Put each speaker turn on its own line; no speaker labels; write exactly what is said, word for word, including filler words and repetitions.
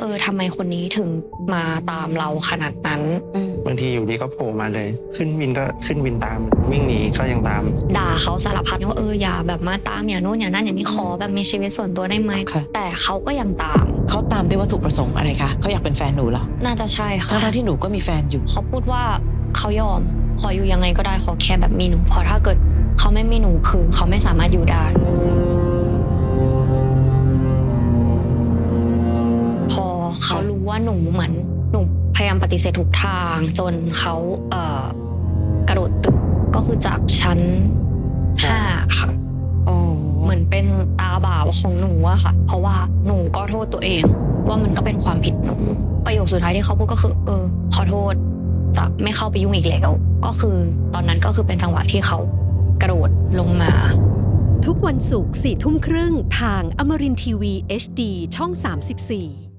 เออทำไมคนนี้ถึงมาตามเราขนาดนั้น
บางทีอยู่ดีก็โผล่มาเลย ขึ้นวินก็ขึ้นวินตามวิ่งหนีก็ยังตาม
ด่าเขาสารพัดว่าเอออย่าแบบมาตามอย่าโน่นอย่านั่นอย่างนี้ขอแบบมีชีวิตส่วนตัวได้ไหมแต่เขาก็ยังตาม
เขาตามด้วยวัตถุประสงค์อะไรคะเขาอยากเป็นแฟนหนูเหรอ
น่าจะใช่ค่ะ
ทั้งที่หนูก็มีแฟนอยู่
เขาพูดว่าเขายอมขออยู่ยังไงก็ได้ขอแค่แบบมีหนูเพราะถ้าเกิดเขาไม่มีหนูคือเขาไม่สามารถอยู่ได้พอเขารู้ว่าหนูเหมือนหนูพยายามปฏิเสธทุกทางจนเขาเอ่อกระโดดตึกก็คือจากชั้นห้าค่ะเหมือนเป็นตาบาปของหนูอะค่ะเพราะว่าหนูก็โทษตัวเองว่ามันก็เป็นความผิดหนูประโยคสุดท้ายที่เขาพูดก็คือเออขอโทษจะไม่เข้าไปยุ่งอีกแล้วก็คือตอนนั้นก็คือเป็นจังหวะที่เขากระโดดลงมา
ทุกวันศุกร์สี่ทุ่มครึ่งทางอมรินทร์ทีวี เอช ดี ช่องสามสิบสี่